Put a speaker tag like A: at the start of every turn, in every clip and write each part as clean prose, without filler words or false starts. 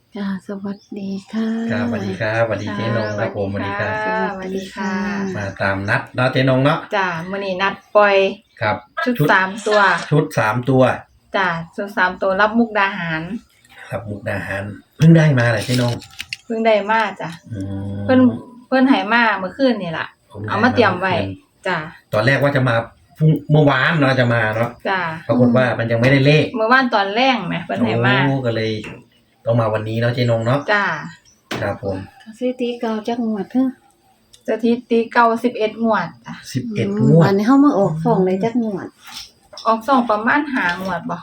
A: ค่ะสวัสดีค่ะ
B: ครับสวัสดีครับสวัสดีเจ๊นงครับผมสวัสดีครับ
A: สวัสดีค่ะ
B: มาตามนัดเนาะเจ๊นงเนาะ
C: จ้ามื้อนี้นัดปล่อย
B: ครับ
C: ชุด3ตัว
B: ชุด3 ตัว
C: จ้าชุด3ตัวรับมุกดาหาร
B: ครับมุกดาหารเพิ่งได้มาเลยเจ๊นง
C: เพิ่งได้มาจ้ะ
B: อืม
C: เพิ่นให้มาเมื่อคืนนี่ล่ะ
B: ผมได้
C: เอามาเตรียมไว้จ้า
B: ตอนแรกว่าจะมาพรุ่งเมื่อวานเนาะจะมาเนาะ
C: จ้า
B: ปรากฏว่ามันยังไม่ได้เลข
C: เมื่อวานตอนแรกแหมเพิ่นให้มา
B: โอ้ก็เลยต้องมาวันนี้เนาะเจ๊นงเนาะ
C: จ้า
B: ครับผม
A: สถิติเก่าจักงวดเด้อ
C: สถิติเก่า11งวดจ้ะ
B: 11 งวด
A: อันนี้เฮามาออกฟ้องได้จักงวด
C: ออกส่องประมาณ5งวดบ่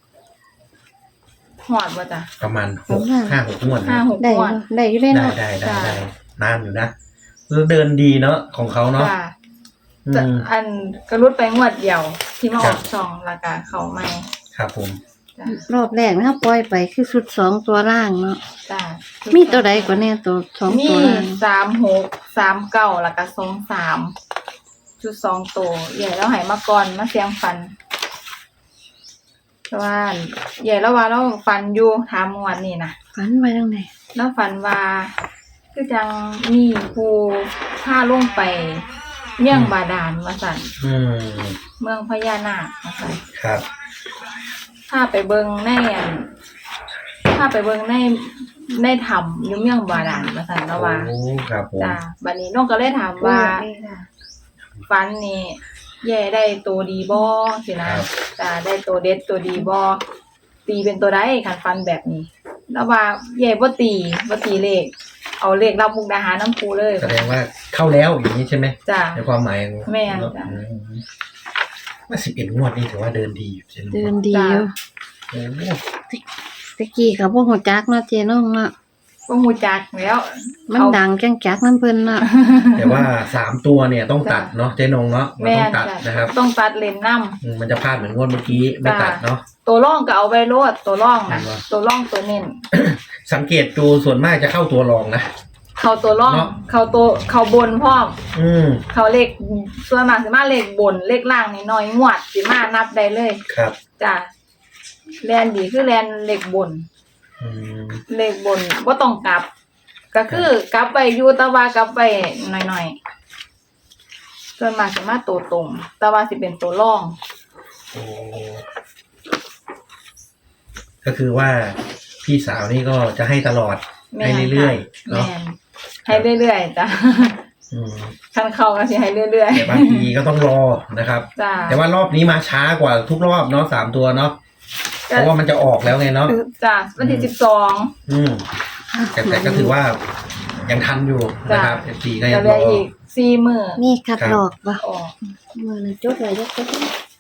C: ฮอดบ่จ้ะ
B: ประมาณ5-6 งวดนะ
C: 5-6
A: ได้
C: งวด
A: ได้อยู่ได้
B: ได้
A: เนาะ
B: ได้
C: จ้ะ
B: นานอยู่นะแล้วเดินดีเนาะของเขาเนาะ
C: จ้า
B: อื
C: จะ
B: ม
C: อันกระรุดไปงวดเดียวที่มาอ
B: ครั
C: อบ กช่องแล้วก็เข้าใหม่
B: ครับผม
C: จ้าร
A: อบแรกนะปล่อยไปคือชุด2ตัวล่างเนาะ
C: จ้า
A: มีตัวใดกว่าแน่ตัว2
C: มี
A: ตัวล่าง
C: 36 39แล้วก็23ชุด2ตัวใหญ่แล้วให้มาก่อนมาเสียงฟันแต่ว่าใหญ่แล้วว่าเราฟันอยู่ถามงวดนี่นะ
A: ฝันไว้จังได๋
C: แล้วฟันว่าคือจังมีผู้พาลงไปเมืองบาดาลว่าซั่น
B: อืม
C: เมืองพญานาคว่าซั่น
B: ครับ
C: พาไปเบิ่งในอันพาไปเบิ่งในถ้ำอยู่เมืองบาดาลว่าซั่นแล้วว่า
B: โอ้ครับผม
C: จ้าบัดนี้น้องก็เลยถามว่าฟันนี่แย่ได้ตัวดีบ่สินะครับ จ้าได้ตัวเด็ดตัวดีบ่ตีเป็นตัวใดคันฟันแบบนี้ แล้วว่าแย่บ่ตีเลข เอาเลขรับมุกดาหารน้ำปูเลย
B: แสดงว่าเข้าแล้วอย่างนี้ใช่ไหม
C: จ้า
B: ในความหมาย
C: แม่น
B: เนอะ
C: จ้ะ
B: ว่า11 งวดนี่ถือว่าเดินดีอยู่ใช่ไหม
A: เดินดีอยู่
B: โอ้
A: ตะกี้ก็บ่ฮู้จักเนาะเจน้องเนาะ
C: บ่ฮู้จักแล้ว
A: มันดังจังจักนํเพิ่นเนาะ
B: แต่ว่า3 ตัวเนี่ยต้องตัดเนาะเจ๊นงเนาะมัน
C: แม่
B: ต้อง
C: น
B: ตัด
C: จ้ะ
B: นะครับ
C: ต้องตัดเลนนำ
B: มันจะพลาดเหมือนงวดเมื่อกี้ไม่ตัดเนาะ
C: ตัวร่องก็เอาไว้โลดตัวร่องน่ะ
B: เห็นปะ
C: ตัวร่องตัวเน้น
B: สังเกตดูส่วนมากจะเข้าตัวรองนะ
C: เขาตัวร่อง
B: เนาะ
C: เขาบนพร้อม
B: อืม
C: เขาเลขส่วนมากสิมาเลขบนเลขล่างนี่น้อยงวดสิมานับได้เลย
B: ครับ
C: จ้ะแลนดีคือแลนเลขบน
B: อืม
C: เลขบนบ่ต้องกลับ ก็คือกลับไปอยู่แต่ว่ากลับไปหน่อยๆส่วนมากสิมาตัวตรง แต่ว่าสิเป็นตัวร่อง
B: โอ้ก็คือว่าพี่สาวนี่ก็จะให้ตลอด
C: แม่
B: ให้
C: น
B: เรื่อย
C: ค่ะ
B: ๆเนาะ
C: แม่นให้เรื่อยๆจ้ะ
B: อืม
C: คันเข้าก็สิให้เรื่อย
B: แต่บางทีก็ต้องรอนะครับ
C: ๆจ้ะ
B: แต่ว่ารอบนี้มาช้ากว่าทุกรอบเนาะ3 ตัวเนาะเพราะว่ามันจะออกแล้วไงเนาะ
C: จ้ะวันที่12
B: อืมแต่ก็ถือว่ายังทันอยู่นะครับ FC ก็
C: จะ
B: ยัง
C: เหลื
B: ร
C: อ
B: อ
C: อีก4มื้อ
A: มีคัดลอกบ่
C: ออก
A: มื้อนั้นจดไว้จักจัก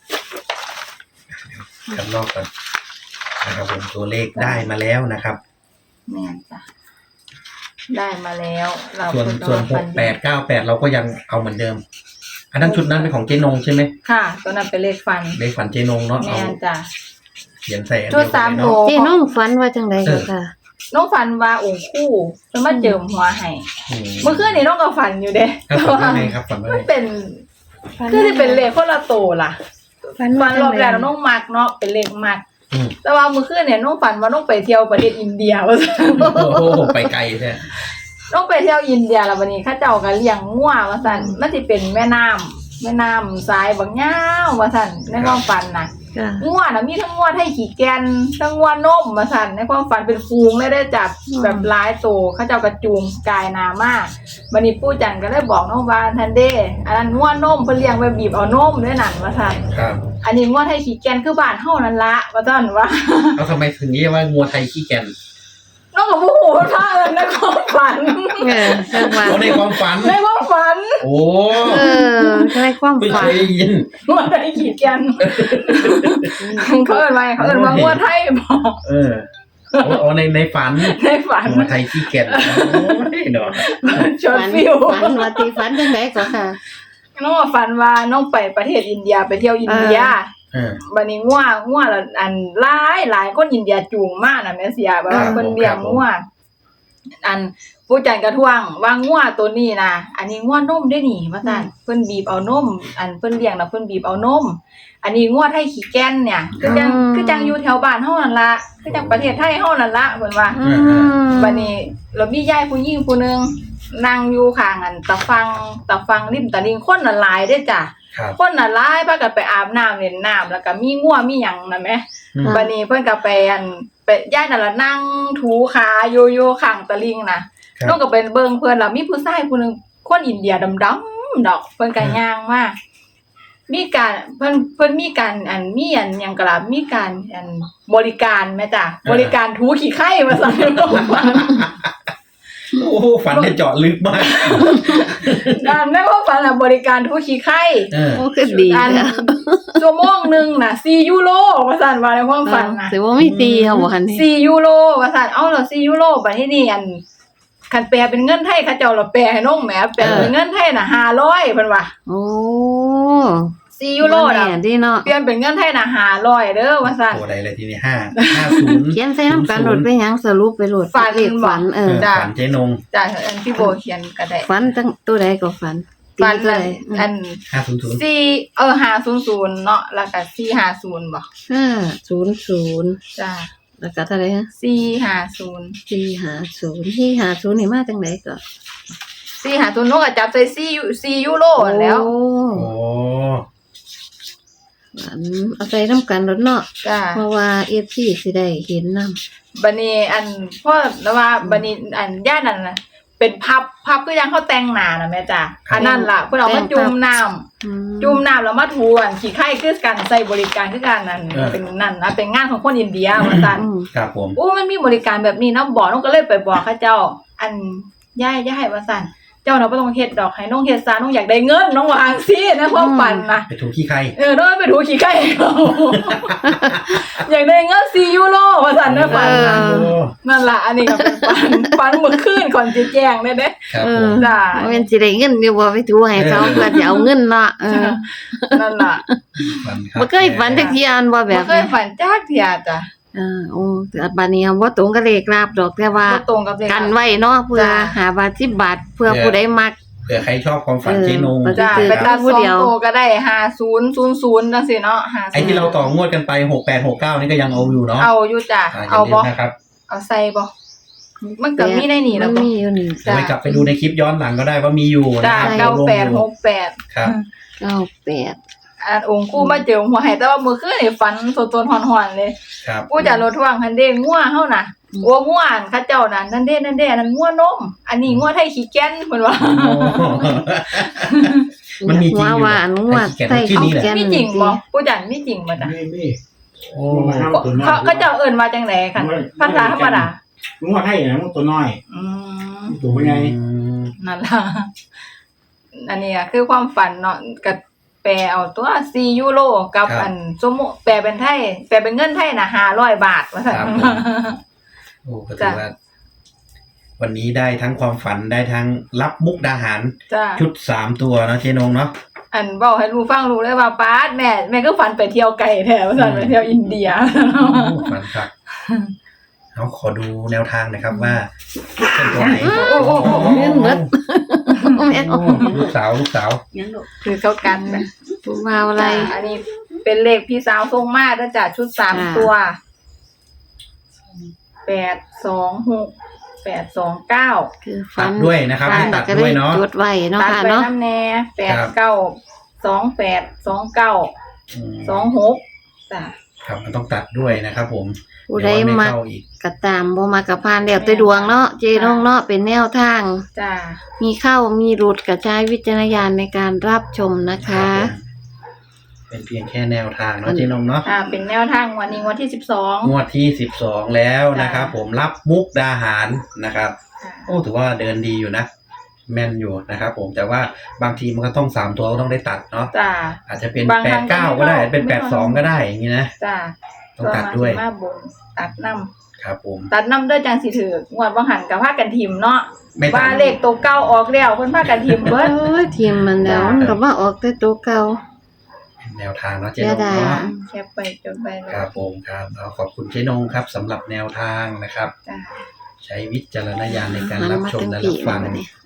B: กันรอบกันนะครับผมตัวเลขได้มาแล้วนะครับ
C: แม่นจ้ะได้มาแล้วเรา
B: ส่วน
C: ก็ฟันดี
B: 6898เราก็ยังเอาเหมือนเดิม อันนั้นชุดนั้นเป็นของเจนงใช่ไหม
C: ค่ะ ตัวนั้นเป็นเลขฟัน
B: เลขฝันเจนงเนาะเอา
C: แม่นจ้ะ
B: เขียนใส่อัน
C: ชุ
B: เดี
C: ด
B: ยวกันเลย
C: 3ตัว
B: เนาะ
A: เจน้องฝันว่าจังไดก็ค่ะ
C: น้องฝันว่าองค์คู่จะมาเจิมหัวให้
B: อืม
C: เมื่อคืนนี้น้องก็ฝันอยู่เด้
B: ครับฝันว่าไงครับฝันว่า
C: มั
B: ไง
C: นเป็นคือที่เป็นเลขคนละโตวล่ะ
A: ฝัน
C: ฝั
A: ว่าน จั
C: รง อบ
A: ได
C: แรกน้องมักเนาะเป็นเลขมัก
B: อืม
C: แต่ว่าเมื่อคืนเนี่ยน้องฝันว่าน้องไปเที่ยวประเทศอินเดียว่าซั่น
B: โอ้โหไปไกลใช่
C: น้องไปเที่ยวอินเดียแล้ววันนี้เข้าเจ้าก็เลี้ยงงัวว่าซั่นมันสิเป็นแม่น้ำทรายบางยาวว่าซั่นในความฝันน่ะ
A: จ้ะ
C: งัวน่ะมีทั้งงัวไทยขี้แกนทั้งงัวนมว่าซั่นในความฝันเป็นฟูงเลยได้จับแบบหลายโตวเข้าเจ้ากระจูงกายหนามากบัดนี้ปู่จันก็เลยบอกน้องว่าทันเด้อันนั้นงัวนมเพิ่นเลี้ยงไว้บีบเอานมด้วยนั่นว่าซั่น
B: ครับ
C: อันนี้งัวไทยขี้แกนคือบ้านเฮานั่นละว่าซั่นว่า
B: แล้วทำไมถึงเรียกว่างัวไทยขี้แกน
C: น้องก็บ่ฮู้ท่าเลยในความฝัน
A: จังหวะ
B: โอ้ในความฝัน
C: ในความฝัน
B: โอ้
A: ในความ
B: เพิ่ง
A: ฝั
B: เคน ยได้ยิน
C: งัวไทยขี้แกนเขาเอิ้นว่าเขาเอิ้นว่างัวไทยบ่
B: เออโอ้ในฝัน
C: ในฝัน
B: งัวไทยขี้แกนโอ้ยเนาะ
C: ชวนฟิว
A: ฝันว่าตีฝันจังไดก็ค่ะ
C: น้องก็ฝันว่าน้องไปประเทศอินเดียไปเที่ยวอินเดีย
B: เออ
C: บัดนี้งัวละอันหลายคนอินเดียจูงมาน่ะแม่เสียแบบว่า
B: ครับ
C: เพิ่นเลี้ยง
B: ครับผม
C: งัวอันผู้จันกระท่วงว่างัวตัวนี้นะอันนี้งัวนมได้นี่ว่าซั่นเพิ่นบีบเอานมอันเพิ่นเลี้ยงแล้วเพิ่นบีบเอานมอันนี้งัวไทยขี้แก่นเนี่ยคือจังอยู่แถวบ้านเฮานั่นล่ะคือจังประเทศไทยเฮานั่นล่ะเพิ่นว่า บัดนี้เรามียายผู้หญิงผู้หนึงนั่งอยู่ข้างอันตะฟังริมตะลิงคนน่ะหลายเด้อจ้ะ
B: ครับ
C: คนน่ะหลายพากันไปอาบน้ำเล่นน้ำแล้วก็มีงัวมีหยังน่ะแหม บัดนี้เพิ่นก็ไปยายนั่นล่ะนั่งถูขาอยู่ข้างตะลิงน่ะ
B: ครับ
C: น้องก็ไปเบิ่งเพิ่นล่ะมีผู้ชายผู้หนึงคนอินเดียดำๆดอกเพิ่นก็ย่างมามีการเพิ่นมีการมีหยังก็ล่ะมีการบริการแม่จ้ะบริการถูขี้ไข่ว่าซั่น
B: โอ้โหฝันเนี่ยเจาะลึกมาก
C: ในความฝันน่ะบริการถูขี้ไข่
A: โอ้คือดี
C: อัน
A: แล้ว
C: ชั่วโมงหนึงน่ะ4ยูโรว่าซั่นว่าในความฝันน่ะ
A: ถือว่าไม่ตีเอาบ่คันนี่
C: 4ยูโรว่าซั่นเอาแล้ว4ยูโรบัดนี้นี่คันแปลเป็นเงินไทยเขาเจ้าละแปลให้น้องแหมแปลเป็นเงินไทยน่ะ500เพิ่นว่า
A: โอ้
C: 4ยูโรน่ะ
A: แน่ดีเนาะ
C: เปลี่ยนเป็นเงินไทยน่ะ500เด้อว่าซั่น
B: ตัวใดเลยทีนี้50
A: เขียนใส่น้ำกันโหลดไปหยังสรุปไปโหลด
C: ฝัน
A: เลขฝัน
C: จ้ะ
B: ฝันเจ๊นง
C: จ้ะพี่โบเขียนก็ได้
A: ฝันตั้งตัวใดก็ฝันตี
C: ฝัน
A: ตัวใด
B: 500
C: 500เนาะแล้วก็450บ่
A: 500
C: จ้ะ
A: แล้วก็เท่าไหร่ฮะ
C: 450
A: 450นี่มาจังไดก็
C: 450นกก็จับใส่4ยูโรนั่นแหล้ว
A: โอ้
B: โอ้
A: ฝันเอาใส่น้ำกันโลดเนาะ
C: จ้ะ
A: เพราะว่า FC สิได้เห็นนำ
C: บัดนี้พ่อแล้วว่าบัดนี้ย่านนั่นน่ะเป็นพับคือยังเขาแต่งหน้าน่ะแม่จ้ะอันนั้นล่ะเพิ่นเอามาจุ่มน้ำจุ่มน้ำแล้วมาถูขี้ไข่คือกันใส่บริการคือกันนั่นเป็นนั่นนะเป็นงานของคนอินเดียว่าซั่น
B: ครับผม
C: โอ้มันมีบริการแบบนี้เนาะบอกน้องก็เลยไปบอกเขาเจ้า ย่ายว่าซั่นเจ้าเนาะบ่ต้องเฮ็ดดอกให้น้องเฮ็ดซะน้องอยากได้เงินน้องว่าจังซี่นะความฝันน่ะ
B: ไปถูกขี้ใคร
C: น้องไปถูขี้ไข่เขา อยากได้เงิน4ยูโรว่าซั่นนะฝันน่ะ
B: โอ้
C: นั่นล่ะอันนี้ก็เป็นฝันเมื่อคืนก่อนสิแจ้งเด้
B: ครับผม
C: จ้า
A: ว่าแม่นสิได้เงินอยู่บ่ไปถูให้เขาเพื่อจะเอาเงินเนาะ
C: นั่นล่ะ
B: ฝันครับ
A: บ่เคยฝันจักเที่ยอันบ่แบ
C: บ่
A: บ
C: เคยฝันจักเที่ยจ้ะ
A: โอ้แต่บัดนี้บ่ตรงกับเลขลาบดอกแต่ว่า
C: บ่ตรงกับเลข
A: กันไว้เนาะเพื่อ
C: จ้ะ
A: 5บาท10บาทเพื่อผู้ใดมัก
B: เผื่อใครชอบความฝันเจ๊นง
A: จ้ะ
C: จ้า
A: คือ
C: ไปตัด
A: ผู้
C: สอ
A: เดี
C: ง
A: ยว
C: โตวก็ได้5000จังซี่เนาะ50
B: ไอ้ที่เราต่องวดกันไป6869นี่ก็ยังเอาอยู่เนาะ
C: เอาอยู่จ้ะ
B: อย่า
C: เอา
B: ลื
C: บ่
B: มนะครับ
C: เอาใส่บ่มันก็มีในนี่แล้ว
A: มัน
C: บ่
A: มีอยู่นี่
C: จ้ะ
B: ไปกลับไปดูในคลิปย้อนหลังก็ได้ว่ามีอยู่นะ
C: จ้า
B: ครับ
C: 9868
B: ครับ
A: 98
C: องค์กู้มาเจอหัวให้แต่ว่ามื้อคืนนี่ฝันสดๆฮ้อนๆเลย
B: ครับ
C: กูจะรถท่วงคันเด้งัวเฮาน่ะโอ้งัวอันเขาเจ้าน่ะนั่นเด้นั่นงัวนม อันนี้งัวไทยขี้แก่นเพิ่นว่า
B: มันมีจริงอยู่
A: ว่า
B: นะ
A: หนูว่า
B: ไอ้ขี้แก่นชื่อนี้แหละ
C: มีจริงบ่กูจันมีจริงบ่จ้ะ
D: นี่
B: โอ้
C: เขาเจ้าเอิ้นว่าจังได๋คั่นภาษาธรรมดา
D: มึงว่าให้นะมึงตัวน้อย
C: อืม
D: ตัวเป็นไง
C: นั่นล่ะอันนี้อะคือความฝันเนาะก็แปลเอาตัว4ยูโรกับอันสมมุติแปลเป็นไทยแปลเป็นเงินไทยน่ะ500บาทว่าซั่น
B: โอ้ก็ถือว่า วันนี้ได้ทั้งความฝันได้ทั้งรับมุกดาหาร
C: จ้ะ
B: ชุด3ตัวเนาะเจ๊นงเนาะ
C: อันเว้าให้รู้ฟังรู้เลยว่าป๊าดแม่ก็ฝันไปเที่ยวไกลแท้ว่าซั่นไปเที่ยวอินเดีย
B: ฝันครับเอาขอดูแนวทางหนะครับว่าเป็นตัวไหน
C: โอ้
A: เรื่องหมด แม่น
B: โอ้ลูกสาว
C: คือเข้ากันนะ
A: ผู้ว่าอะไร
C: อันนี้เป็นเลขพี่สาวทรงมาแล้วจ้ะชุด3ตัว826
A: คือ
B: ตั
A: ฝั
B: ด
A: น
B: ด้วยนะครับ
A: ฝั
B: ให้
A: น
B: ตัด
A: ก็
B: ด้
A: ได้
B: วยเนาะ
A: จดไว้เนาะ
C: ตัด
A: ค่ะ
C: ไป
A: เนาะ
C: น้ำแน่89282926จ้ะ
B: ครับมันต้องตัดด้วยนะครับผม
A: ผู้ใด
B: เยว
A: มัก
B: เข้าอีก
A: ก็ตามบ่มักก็ผ่านแล้วแต่ดวงเนาะเจน้องเนาะเป็นแนวทาง
C: จ้ะ
A: มีเข้ามีหลุดกระจายวิจารณญาณในการรับชมนะ
B: ครั
A: คะ
B: บผมเป็นเพียงแค่แนวทางเนาะเจ๊นงเนาะ
C: เป็นแนวทางวันนี้วันที่12
B: งวดที่12แล้วนะครับ ผมรับมุกดาหารนะครับ โอ้ถือว่าเดินดีอยู่นะ แม่นอยู่นะครับผมแต่ว่าบางทีมันก็ต้อง3ตัวก็ต้องได้ตัดเนาะ
C: จ้ะ
B: อาจจะเป็น
C: บางครั้ง
B: 89ก็ได้
C: ก็ไม่
B: เป็น
C: ไม่ต้อง
B: 82ก็ได้อย่างนี้นะ
C: จ้ะ
B: ต้องตัดด้วย
C: มาบนตัดน้ำ
B: ครับผม
C: ตัดน้ำเด้อจังสิถืองวดบ่หันกับพากันทิมเนาะ
B: ไม่ตั
C: ว่า
B: ด
C: เลขตัวเก่าออกแล้วเพิ่นพากันทิมเบิด
A: เอ้ยทีมมันแล้วมันก็มาออกแต่ตัวเก่า
B: เป็นแนวทางเนาะเจ๊
A: เสี
B: น
A: ย
B: ง
A: ดาย
B: เนาะ
C: แคปไปจนไปแล้ว
B: ครับผมครับเอาขอบคุณเจ๊นงครับสำหรับแนวทางนะครับ
C: จ้ะ
B: ใช้วิจารณญาณในการ
A: หัน
B: รับ
A: มา
B: ชม
A: ทั้ง
B: และ
A: ผี
B: รับฟัง
A: เลยบัดนี้